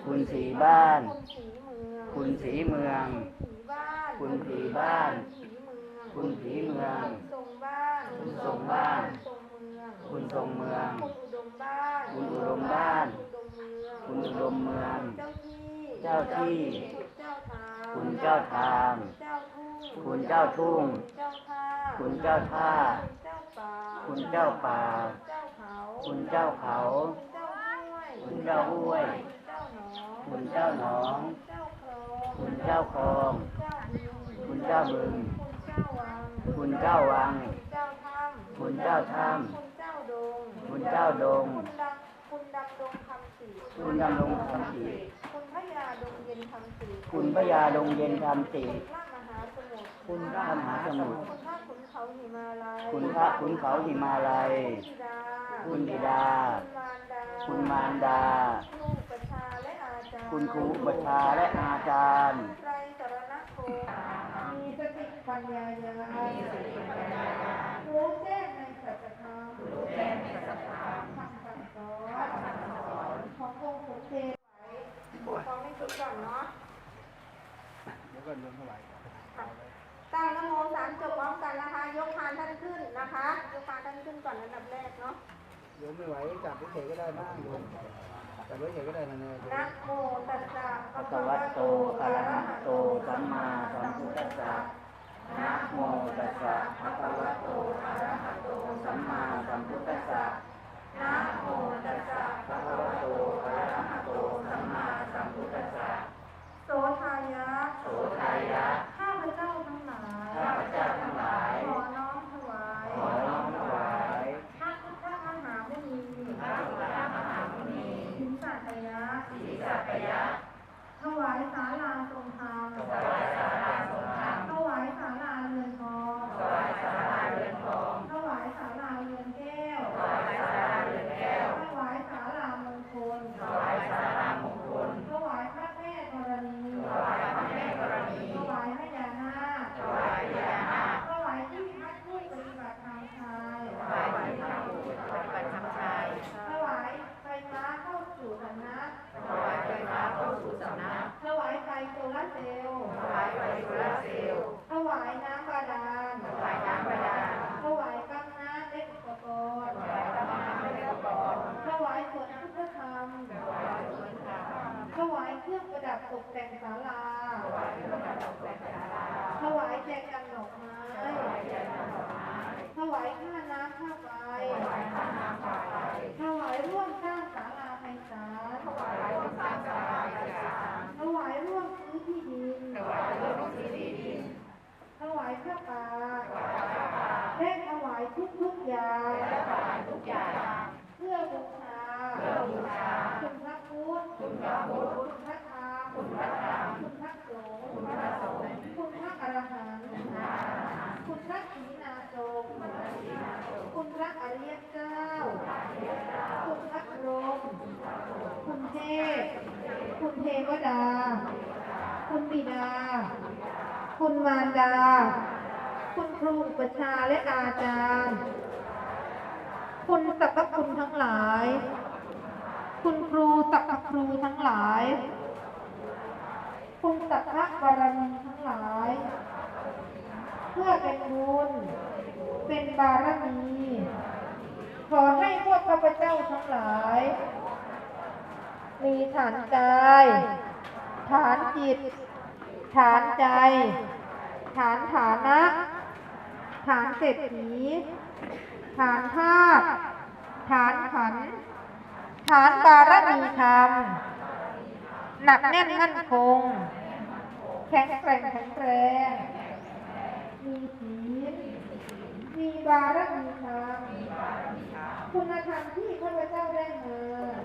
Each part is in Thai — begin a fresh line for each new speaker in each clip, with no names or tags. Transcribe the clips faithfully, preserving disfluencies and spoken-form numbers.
คุณสีบ้าน
คุณสีเมือง
คุณสีเมือง
คุณสีบ้าน
คุณสีเมือง
คุณสีเมือง
คุณทรงบ้าน
คุณทรงเมือง
คุณทรงเมือง
คุณอุดมบ้าน
คุณอุดมเมือง
เจ้าที่
เจ้าที่
เจ้าทาง
คุณเจ้าทาง
เจ้าทุ่ง
คุณเจ้าทุ่ง
เจ้าท่า
คุณเจ้าท่า
คุณเจ้าป่า
คุณเจ้าเขา
คุณเจ้าห้วย
คุณเจ้าหนอง
คุณเจ้าคลอง
คุณเจ้าบึง
คุณเจ้าวัง
คุณเจ้าถ้ำ
คุณเจ้าดง
คุณดำดงคำศรี
คุณดำรงคำศรี
คุณพระยาดงเย็นคำศรี
คุณพระยาดงเย็นคำศรี
คุณพระมหาสมุทร
คุณพระมหาสมุทร
คุณพระขุนเขาหิมาลัย
คุณพระขุนเขาหิมาลัย
คุณบิดา
คุณบิดา
คุณมารดา
คุณมารดา
ครูประชาและอาจารย์
คุณครูอุปชาและอาจารย์
ไตรสรณคมมีสติปัญญาญาณรู้แจ้งในสัจธรรมรู้แจ้งในสัจธรรมคำสั่งสอนขององค์สมเด็จไว้ขอไม่คิดก่อนเนาะ
แล้วก็รวมเท่าไหร่
ตั้งนโมสามจบพร้อมกันนะคะ ยกพานท่านขึ้นนะคะ ยกพานท่านขึ้นก่อนอันดับแรกเนาะ
โยมไม่ไหวจับเฉยๆก็ได้นะโยมจับเฉยๆก็ได้นะเนี่ยโยม
นะโมตัสสะ
ภะคะวะโตอะระหะโตสัมมาสัมพุทธัสสะนะโมตัสสะภะคะวะโตอะระหะโตสัมมาสัมพุทธัสสะนะโมตัสสะภะคะวะโตอะระหะโตสัมมาสัมพุทธัสสะ
โสทายะ
โสทายะ
ข้าพเจ้าทั้งหลาย
ข้าพเจ้าทั้งหลาย
ขอน้อมถวาย
ขอน้อมถวาย
พระพุทธมหามุนี
พระพุทธมหามุนี
สินสัตยะ
สีสัพยะ
ถวายศาลาทรงธรรม
ถวายศาลาทรงธรรม
ถวายศาลาเรือนทอง
ถวายศาลาเรือนทอง
ถวายศาลาเรือนแก้ว
ถวายศาลาเรือนแก้ว
ถวายศาลามงคล
ถวายศาลามงคล
ถวายพระแม่ธรณี
ถวายพระแม่ธรณี
ถวายพระยานาค
ถวายพญานาค
ถวายที่พักผู้ปฏิบัติธรรมชาย
ถวายที่พระผู้ปฏิบัติธรรมชาย
ถวายไฟฟ้าเข้าสู่สำนัก
ถวายไฟฟ้าเข้าสู่สำนัก
ถวายไฟโซลาร์เซลล์
ถวายไฟโซลาร์เซลล์
ถวายน้ำบาดาล
ถวายน้ำบาดาล
ถวายกังน้ำและอุปกรณ์
ถวายน้ำและอุปกรณ์
ถวายสวนพุทธธรรม
ถวายสวนธรรม
ถวายเครื่องประดับตกแต่งศาลา
ถวายเครื่องประดับตกแต่งศาลา
ถวายแจกันดอกไม้
ถวายแจกันดอกไม้
ถวายค่าน้ำค่าไฟ
ถวายค่าน้ำค่าไฟ
ถวายร่วมสร้างศาลาไพศาล
ถวายร่วมสร้างศาลาไพศาล
ถวายร่วมซื้อที่ดิน
ถวายร่วมที่ดิน
ถวายผ้าป่า
ถวายผ้าป่า
และถวายทุกทุกๆอย่าง
และถวายทุกอย่าง
เพื่อบูชา
เพื่อบูชา
คุณพระพุทธ
คุณพระพุทธ
คุณพระธรรม
คุณพระธรรม
คุณพระสงฆ์
คุณพระสงฆ์
คุณพระอรหันต์คุณพระศรีนาโจงคุณพระอริยเจ้า คุณพระพรหมคุณเทพ คุณเทวดา คุณบิดา คุณมารดา คุณครูอุปชฌาย์และอาจารย์ คุณสรรพคุณทั้งหลาย คุณครูสรรพครูทั้งหลาย คุณสัพพะบารมีทั้งหลาย เพื่อเป็นบุญ เป็นบารมี ขอให้พวกข้าพเจ้าทั้งหลาย มีฐานกาย ฐานจิต ฐานใจ ฐานฐานะ ฐานเศรษฐี ฐานธาตุฐานขันธ์ฐานบารมีธรรม หนักแน่นมั่นคง แข็งแกร่งแข็งแรง มีศีล มีบารมีธรรม คุณธรรมที่ข้าพเจ้าได้มา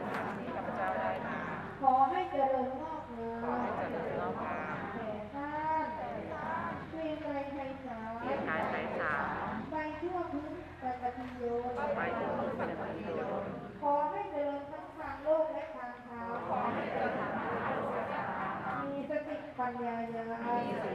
ขอให้เจริญงอกงามแก่ท่านเวียนไรไทยสาไปทั่วพื้นปฏิโยนขอให้เจริญทั้งทางโลกและทางธรรมมีสติปัญญาญาณ